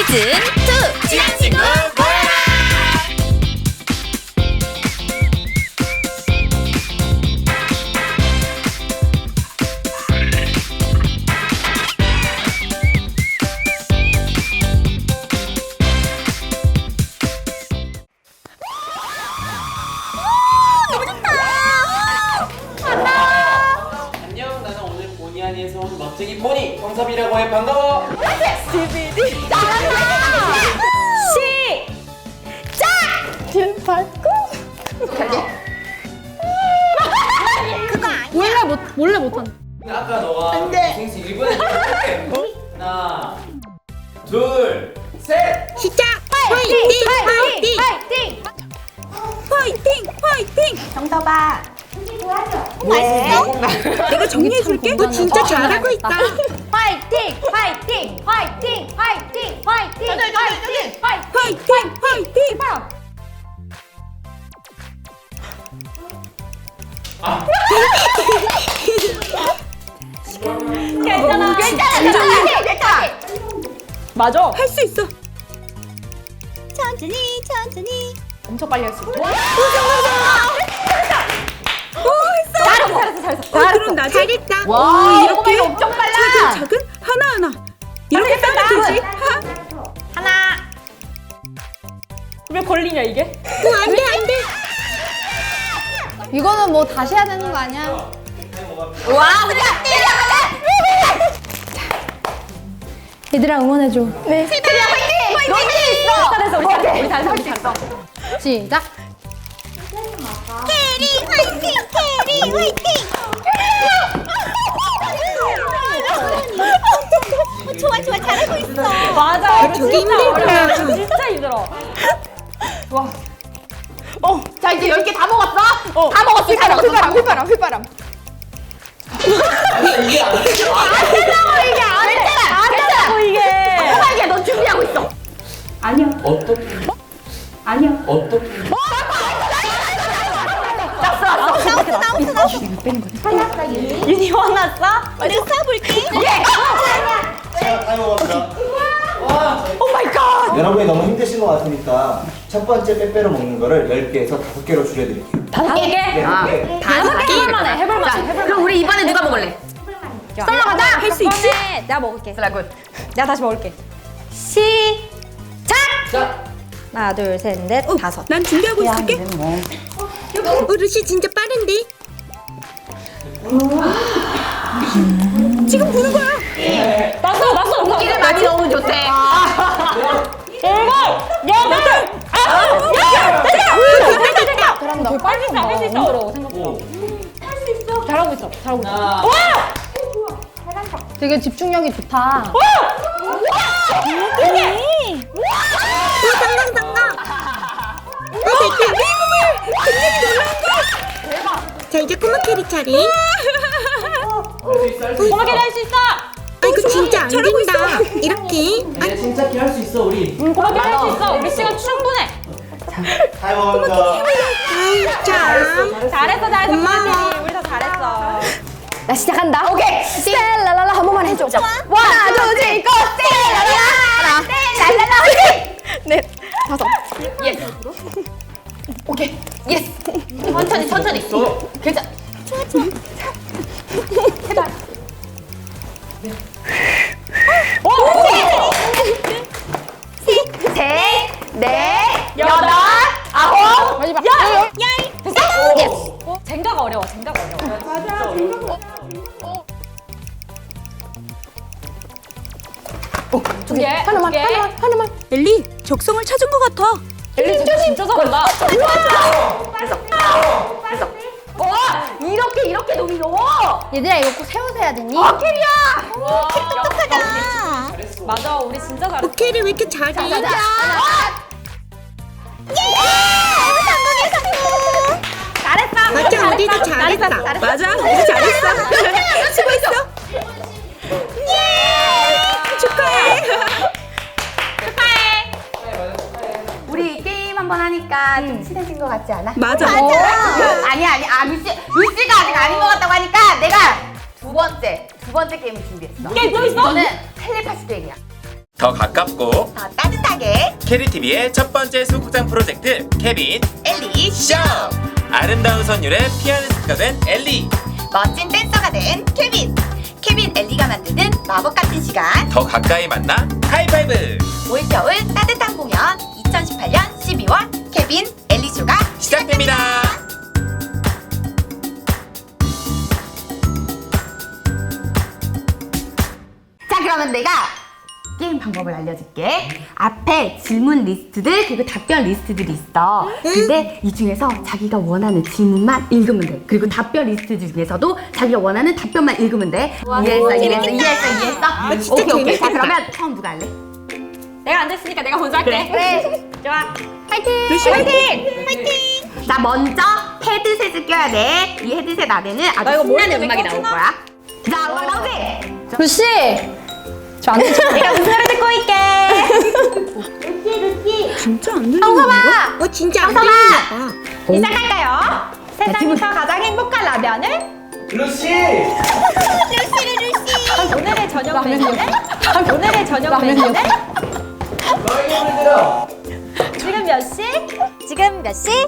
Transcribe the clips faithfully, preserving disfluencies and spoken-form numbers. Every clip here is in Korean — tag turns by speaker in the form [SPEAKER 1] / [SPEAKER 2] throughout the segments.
[SPEAKER 1] 시즌 투 친한 친구 모여라.
[SPEAKER 2] 안녕, 나는 오늘 보니 아니에서 온 멋쟁이 보니 황섭이라고 해. 반가워.
[SPEAKER 1] 시비디 시작! 줄 밟고 그거 아니야.
[SPEAKER 3] 몰래 못 몰래 못한다.
[SPEAKER 2] 아까 너가 생수 일 분에 할게. 하나, 둘, 셋.
[SPEAKER 1] 시작! 화이팅! 화이팅! 화이팅! 화이팅! 화이팅! 정답아. 맛있어?
[SPEAKER 3] 내가 정리해줄게. 너 진짜 잘하고 있다.
[SPEAKER 1] 화이팅! 화이팅! 화이팅! 화이팅! 화이팅! 화이팅! 화이팅!
[SPEAKER 3] 화이팅! 화이팅!
[SPEAKER 1] 괜찮아. 괜찮아. 괜찮아. 괜찮아.
[SPEAKER 3] 맞아. 할 수 있어.
[SPEAKER 1] 천천히 천천히.
[SPEAKER 3] 엄청 빨리 할 수 있어.
[SPEAKER 1] 잘했어. 잘했어. 잘했어.
[SPEAKER 3] 어, 그럼 나 잘했다.
[SPEAKER 1] 와,
[SPEAKER 3] 어, 이렇게
[SPEAKER 1] 꼬마이 엄청 빨라.
[SPEAKER 3] 작은 작은 하나 하나. 이렇게 따면 되지. 하.
[SPEAKER 1] 하나.
[SPEAKER 3] 왜 걸리냐 이게?
[SPEAKER 1] 오, 안 돼, 안 돼.
[SPEAKER 4] 이거는 뭐 다시 해야 되는 거 아니야?
[SPEAKER 1] 와, 우리
[SPEAKER 4] 얘들아 응원해줘.
[SPEAKER 1] 네. 시들이야, 화이팅! 화이팅! 있어.
[SPEAKER 3] 잘했어 우리 잘했어. 우리 잘했어. 우리 잘했어.
[SPEAKER 4] 시작.
[SPEAKER 1] 캐리 화이팅! 캐리 화이팅! 어, 좋아, 좋아, 잘하고 있어.
[SPEAKER 3] 맞아. 이거
[SPEAKER 1] 저기
[SPEAKER 3] 진짜
[SPEAKER 1] 힘들구나.
[SPEAKER 3] 어려워. 진짜 힘들어. 와.
[SPEAKER 1] 어, 자 이제 열 개 다 먹었어?
[SPEAKER 3] 어.
[SPEAKER 1] 다 먹었어, 다 먹었어.
[SPEAKER 3] 휘바람 휘바람 휘바람.
[SPEAKER 2] 이게 안 돼.
[SPEAKER 1] 안 된다고 이게 안 돼. 안 된다고
[SPEAKER 3] 이게.
[SPEAKER 1] 호박이야, 너 준비하고 있어.
[SPEAKER 2] 어떻게?
[SPEAKER 3] 아니야.
[SPEAKER 2] 어떻게?
[SPEAKER 1] 나왔어, 나왔어, 나왔어, 나왔어.
[SPEAKER 3] 윤이 화났어?
[SPEAKER 1] 내가 쏴볼게.
[SPEAKER 5] 자, 타이머 갑니다.
[SPEAKER 3] 오 마이 갓.
[SPEAKER 5] 여러분이 너무 힘드신 것 같으니까 첫 번째 빼빼로 먹는 거를 열 개에서 다섯 개로 줄여드릴게요.
[SPEAKER 3] 다섯 개.
[SPEAKER 5] 네,
[SPEAKER 1] 아.
[SPEAKER 5] 네.
[SPEAKER 1] 다섯 개.
[SPEAKER 3] 해볼만해. 해볼만해. 해볼만해.
[SPEAKER 1] 그럼 우리 이번에 누가 먹을래? 썰러 가자.
[SPEAKER 3] 할 수 있지?
[SPEAKER 4] 내가 먹을게.
[SPEAKER 1] 슬라 굿.
[SPEAKER 3] 내가 다시 먹을게.
[SPEAKER 4] 시작.
[SPEAKER 2] 자,
[SPEAKER 4] 하나 둘 셋 넷 다섯.
[SPEAKER 3] 난 준비하고 있을게.
[SPEAKER 1] 어르신 진짜 빠른데?
[SPEAKER 3] 지금 부는 거야. 났어 났어.
[SPEAKER 1] 고기를 많이 넣으면 좋대.
[SPEAKER 3] 일곱 여덟 아홉 열. 됐다 됐다 됐다.
[SPEAKER 4] 잘한다.
[SPEAKER 3] 할수 있어 할 수 있어. 어려워 생각보다.
[SPEAKER 2] 오.
[SPEAKER 3] 잘하고 있어 잘하고 있어.
[SPEAKER 2] 하나.
[SPEAKER 4] 되게 집중력이 좋다.
[SPEAKER 1] 자, 이제 꼬마 캐리 차례.
[SPEAKER 2] 할수 있어, 할 수 있어.
[SPEAKER 3] 고마게 할 수 있어.
[SPEAKER 1] 아, 이거 진짜 안 된다. 이렇게.
[SPEAKER 2] 이제 침착히 할 수 있어, 우리.
[SPEAKER 3] 응 고마게 할 수 있어. 우리 시간 충분해.
[SPEAKER 5] 타이머 갑니다.
[SPEAKER 1] 자,
[SPEAKER 3] 잘했어 잘했어.
[SPEAKER 1] 고마워.
[SPEAKER 3] 고마워. 우리 다 잘했어.
[SPEAKER 4] 나 시작한다. 오케이. 셀라라라 한 번만 해줘. 하나 둘셋 고. 셀라라라. 셀라라라 화이팅. 넷 다섯.
[SPEAKER 1] 예스. 오케이. 예스. 천천히, 천천히. 괜찮.
[SPEAKER 4] 셋, 넷,
[SPEAKER 3] 여덟
[SPEAKER 4] 아홉, 마지막 열.
[SPEAKER 3] 됐어? 어? 젠가가 어려워. 젠가가 어려워. 두 개.
[SPEAKER 4] 하나만,
[SPEAKER 3] 두 개.
[SPEAKER 4] 하나만, 하나만.
[SPEAKER 3] 엘리 적성을 찾은 것 같아. 엘리 진짜 진짜 잘한다.
[SPEAKER 1] 와, 이렇게, 이렇게 너무 넣어.
[SPEAKER 4] 얘들아 이거 꼭 세워서 해야 되니?
[SPEAKER 1] 아, 캐리야.
[SPEAKER 3] 와,
[SPEAKER 1] 똑똑하다.
[SPEAKER 2] 잘했어.
[SPEAKER 3] 맞아. 우리 진짜 잘했어.
[SPEAKER 1] 캐리 왜 이렇게 잘해?
[SPEAKER 4] 자, 자, 자.
[SPEAKER 1] 예! 성공해, 성공.
[SPEAKER 3] 잘했어.
[SPEAKER 1] 맞아, 우리도 잘했다.
[SPEAKER 3] 맞아. 우리 잘했어.
[SPEAKER 1] 수고했어. 예! 축하해.
[SPEAKER 3] 축하해.
[SPEAKER 1] 우리 게임 한 번 하니까 좀 친해진 것 같지 않아?
[SPEAKER 3] 맞아.
[SPEAKER 1] 맞아. 아니 아니 아 루시 루시가 아직 아닌 것 같다고 하니까 내가 두 번째 두 번째 게임을 준비했어.
[SPEAKER 3] 게임 또 있어?
[SPEAKER 1] 이거는 텔레파시 게임이야.
[SPEAKER 6] 더 가깝고
[SPEAKER 7] 더 따뜻하게
[SPEAKER 6] 캐리티비의 첫 번째 소극장 프로젝트 케빈
[SPEAKER 7] 엘리
[SPEAKER 6] 쇼! 아름다운 선율의 피아니스트가 된 엘리,
[SPEAKER 7] 멋진 댄서가 된 케빈 케빈 엘리가 만드는 마법 같은 시간
[SPEAKER 6] 더 가까이 만나 하이파이브!
[SPEAKER 7] 올겨울 따뜻한 공연 이천십팔 년 십이월 케빈 엘리 쇼가
[SPEAKER 6] 시작됩니다.
[SPEAKER 1] 자, 그러면 내가 게임 방법을 알려줄게. 앞에 질문 리스트들 그리고 답변 리스트들이 있어. 근데 이 중에서 자기가 원하는 질문만 읽으면 돼. 그리고 답변 리스트 중에서도 자기가 원하는 답변만 읽으면 돼. 이해했어, 이해했어, 이해했어, 이해했어. 오케이, 오케이. 자, 그러면 처음 누가 할래?
[SPEAKER 3] 내가 안 됐으니까 내가 먼저 할게.
[SPEAKER 1] 그래.
[SPEAKER 3] 좋아.
[SPEAKER 1] 파이팅! 파이팅! 파이팅! 자, 먼저 헤드셋을 껴야 돼. 이 헤드셋 안에는 아주
[SPEAKER 3] 이거 머리
[SPEAKER 1] 신나는
[SPEAKER 3] 때문에
[SPEAKER 1] 음악이 나올
[SPEAKER 3] 껴지나?
[SPEAKER 1] 거야. 자, 음악 나오지?
[SPEAKER 4] 루시! 저 안 되죠?
[SPEAKER 1] 내가 무슨 노래 듣고 있게.
[SPEAKER 3] 진짜 안 들리는 거?
[SPEAKER 7] 어 진짜 안
[SPEAKER 1] 성아!
[SPEAKER 7] 들리나
[SPEAKER 1] 시작할까요? 세상에서 가장 행복한 라면을
[SPEAKER 5] 루시!
[SPEAKER 3] 오늘의 저녁 메뉴는? 오늘의 저녁 메뉴는?
[SPEAKER 5] 너에게 물들어!
[SPEAKER 3] 지금 몇 시?
[SPEAKER 4] 지금 몇 시?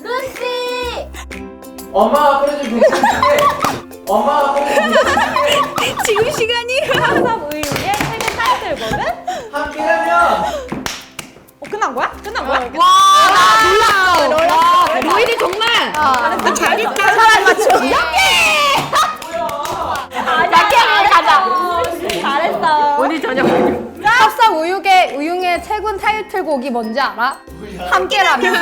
[SPEAKER 5] 엄마가 끓여준 된장찌개! 엄마가 끓여준 된장찌개!
[SPEAKER 3] 지금 시간이 항상 우유의 최근 타이틀곡은?
[SPEAKER 5] 함께라면!
[SPEAKER 3] 어, 끝난 거야? 끝난 거야?
[SPEAKER 1] 와, 나 놀랐어. 로일이 정말
[SPEAKER 7] 잘했다
[SPEAKER 1] 사람 맞추. 약해, 가자.
[SPEAKER 3] 잘했어.
[SPEAKER 1] 오늘 저녁
[SPEAKER 4] 합성 우육의 우육의 최근 타이틀곡이 뭔지 알아? 함께라면.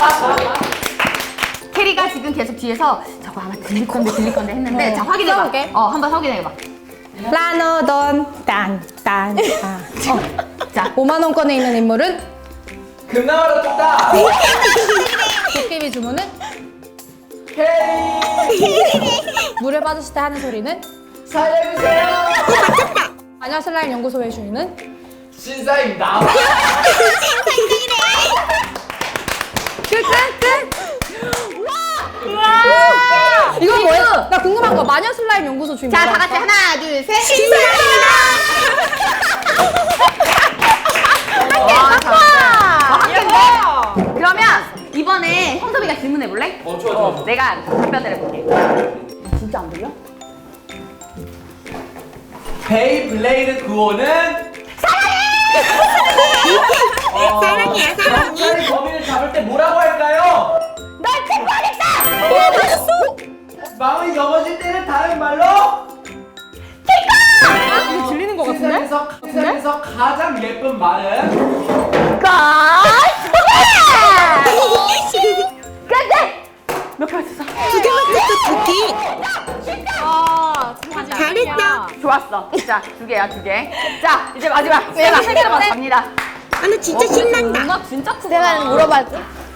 [SPEAKER 1] 캐리가 지금 계속 뒤에서 저거 아마 들릴 건데 들릴 건데 했는데 자 확인해봐.
[SPEAKER 4] 써볼게.
[SPEAKER 1] 어 한번 확인해봐.
[SPEAKER 4] 라노돈 딴딴.
[SPEAKER 1] 자
[SPEAKER 4] 오만 원권에 있는 인물은
[SPEAKER 5] 금나와라 떴다!
[SPEAKER 4] 도깨비 주문은
[SPEAKER 5] 캐리!
[SPEAKER 4] 물에 빠졌을 때 하는 소리는
[SPEAKER 5] 살려주세요!
[SPEAKER 4] 마녀 슬라임 연구소의 주인은
[SPEAKER 5] 신사임 나와!
[SPEAKER 4] 이건 뭐야? 나 궁금한 거 마녀 슬라임 연구소 주인
[SPEAKER 1] 자,
[SPEAKER 4] 뭐라고
[SPEAKER 1] 다 같이
[SPEAKER 4] 할까?
[SPEAKER 1] 하나, 둘, 셋.
[SPEAKER 3] 와,
[SPEAKER 1] 한개인데 그러면 이번에 형섭이가 질문해 볼래?
[SPEAKER 2] 어 좋아 좋아 좋아.
[SPEAKER 1] 내가 답변을 해볼게. 진짜 안 들려?
[SPEAKER 2] 베이블레이드 구호는
[SPEAKER 7] 사랑이야 사랑이
[SPEAKER 2] 경찰이 범인을 잡을 때 뭐라고 할까요?
[SPEAKER 1] 널 체포하겠다!
[SPEAKER 2] 마음이 넘어질 때는 다른 말로
[SPEAKER 3] 이거 들리는 거 같은데?
[SPEAKER 2] 세상에서 세상에서 가장 예쁜 말은
[SPEAKER 1] 끝내! 몇 개 맞췄어?
[SPEAKER 7] 두개 맞췄어 두개
[SPEAKER 3] 아,
[SPEAKER 7] 잘했다
[SPEAKER 1] 좋았어. 자, 두 개야, 두 개. 자, 이제 마지막. 세개 세 개로 먼저 갑니다.
[SPEAKER 7] 아 나 진짜 신난다
[SPEAKER 1] 음악 진짜 크구나.
[SPEAKER 4] 내가 물어봤지.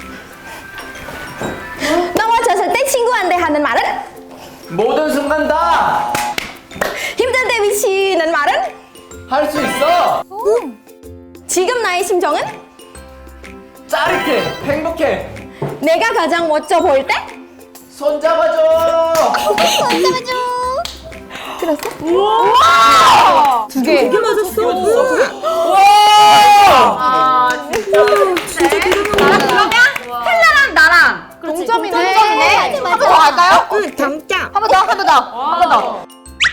[SPEAKER 4] 넘어졌을 때 친구한테 하는 말은?
[SPEAKER 2] 모든 순간 다 할 수
[SPEAKER 4] 힘들 때 미치는 말은?
[SPEAKER 2] 있어.
[SPEAKER 4] 지금 나의 심정은?
[SPEAKER 2] 짜릿해, 행복해.
[SPEAKER 4] 내가 가장 멋져 보일 때?
[SPEAKER 2] 손잡아줘.
[SPEAKER 4] 두 개.
[SPEAKER 1] 아, 진짜. 자, 그러면 텔라랑 나랑
[SPEAKER 4] 동점이네.
[SPEAKER 1] 동점이네. 한 번 더 할까요?
[SPEAKER 7] 응 점점
[SPEAKER 1] 한 번 더, 한 번 더, 한 번 더.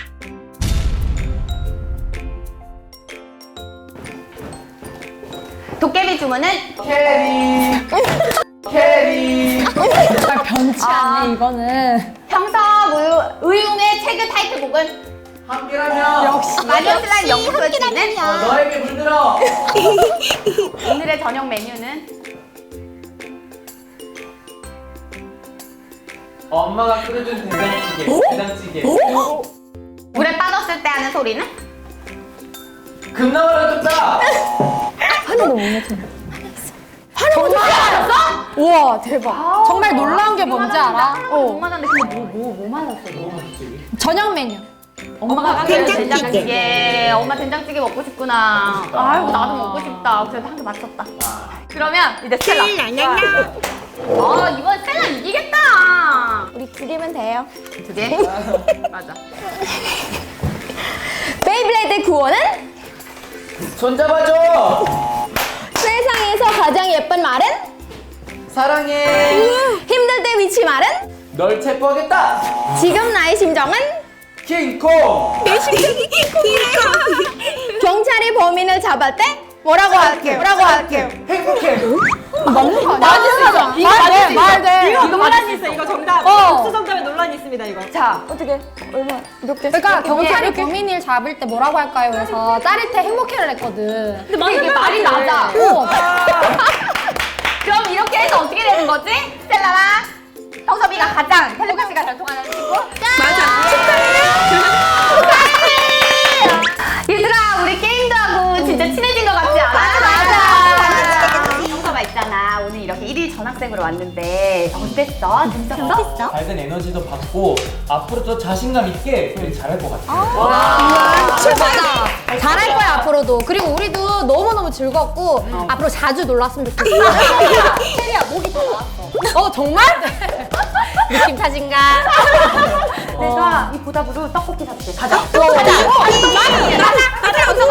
[SPEAKER 1] 도깨비 주문은
[SPEAKER 2] 캐리. 캐리.
[SPEAKER 4] 변치 않네 이거는.
[SPEAKER 1] 형섭 우유, 의웅의 최근 타이틀곡은
[SPEAKER 2] 함께라면 역시
[SPEAKER 1] 마녀 슬라임 연구소의 주인은
[SPEAKER 2] 어, 너에게 물들어.
[SPEAKER 1] 오늘의 저녁 메뉴는
[SPEAKER 2] 엄마가 끓여준 된장찌개. 된장찌개.
[SPEAKER 1] 물에 빠졌을 때 하는 소리는
[SPEAKER 2] 금나와라 떴다.
[SPEAKER 1] 정말 맞았어?
[SPEAKER 4] 우와 대박. 정말 놀라운 게 뭔지 알아?
[SPEAKER 1] 못
[SPEAKER 4] 어.
[SPEAKER 1] 맞았는데 근데 뭐 뭐 뭐 맞았어?
[SPEAKER 4] 저녁 메뉴.
[SPEAKER 1] 엄마가
[SPEAKER 7] 된장찌개.
[SPEAKER 1] 된장찌개. 엄마 된장찌개 먹고 싶구나. 아이고 나도 먹고 싶다. 그래도 한 개 맞췄다. 그러면 이제 스텔라.
[SPEAKER 7] 랄랄랄라
[SPEAKER 1] 아 이번 스텔라 이기겠다.
[SPEAKER 4] 우리 두 개면 돼요.
[SPEAKER 1] 두 개? 맞아.
[SPEAKER 4] 베이블레이드 구호는?
[SPEAKER 2] 손잡아줘.
[SPEAKER 4] 세상에서 가장 예쁜 말은?
[SPEAKER 2] 사랑해.
[SPEAKER 4] 힘들 때 위치 말은?
[SPEAKER 2] 널 체포하겠다.
[SPEAKER 4] 지금 나의 심정은?
[SPEAKER 2] 킹콩.
[SPEAKER 4] 경찰이 범인을 잡을 때? 뭐라고 할게요? 뭐라고 할게요?
[SPEAKER 2] 행복해.
[SPEAKER 4] 맞는 거 아니야?
[SPEAKER 1] 이거 맞을 말돼.
[SPEAKER 3] 이거 논란이 있어. 이거 정답.
[SPEAKER 4] 어.
[SPEAKER 3] 복수 정답에 논란이 있습니다. 이거.
[SPEAKER 1] 자,
[SPEAKER 4] 어떻게? 얼마? 이렇게. 그러니까 경찰이 범인을 잡을 때 뭐라고 할까요? 그래서 짜릿해 행복해를 했거든.
[SPEAKER 1] 근데 이게 말이 맞아.
[SPEAKER 4] 어.
[SPEAKER 1] 그럼 이렇게 해서 어떻게 되는 거지? 스텔라랑 형섭이가 가장 텔레파시가 잘 통하는 친구?
[SPEAKER 3] 맞아.
[SPEAKER 1] 얘들아, 우리 게임도 하고 진짜 친해진 것 같지 않아?
[SPEAKER 7] 맞아, 맞아.
[SPEAKER 1] 형섭아 있잖아. 오늘 이렇게 일일 전학생으로 왔는데 어땠어? 재밌었어?
[SPEAKER 2] 밝은 에너지도 받고 앞으로 더 자신감 있게 우리 잘할 것 같아.
[SPEAKER 4] 맞아. 잘할 거야 앞으로도. 그리고 우리도 너무너무 즐겁고 앞으로 자주 놀랐으면 좋겠어. 세리야 목이 다 나왔어. 어 정말? 느낌 탓인가?
[SPEAKER 1] 내가 이 보답으로 떡볶이 사줄게. 가자.
[SPEAKER 4] 가자. 가자. 가자. 가자.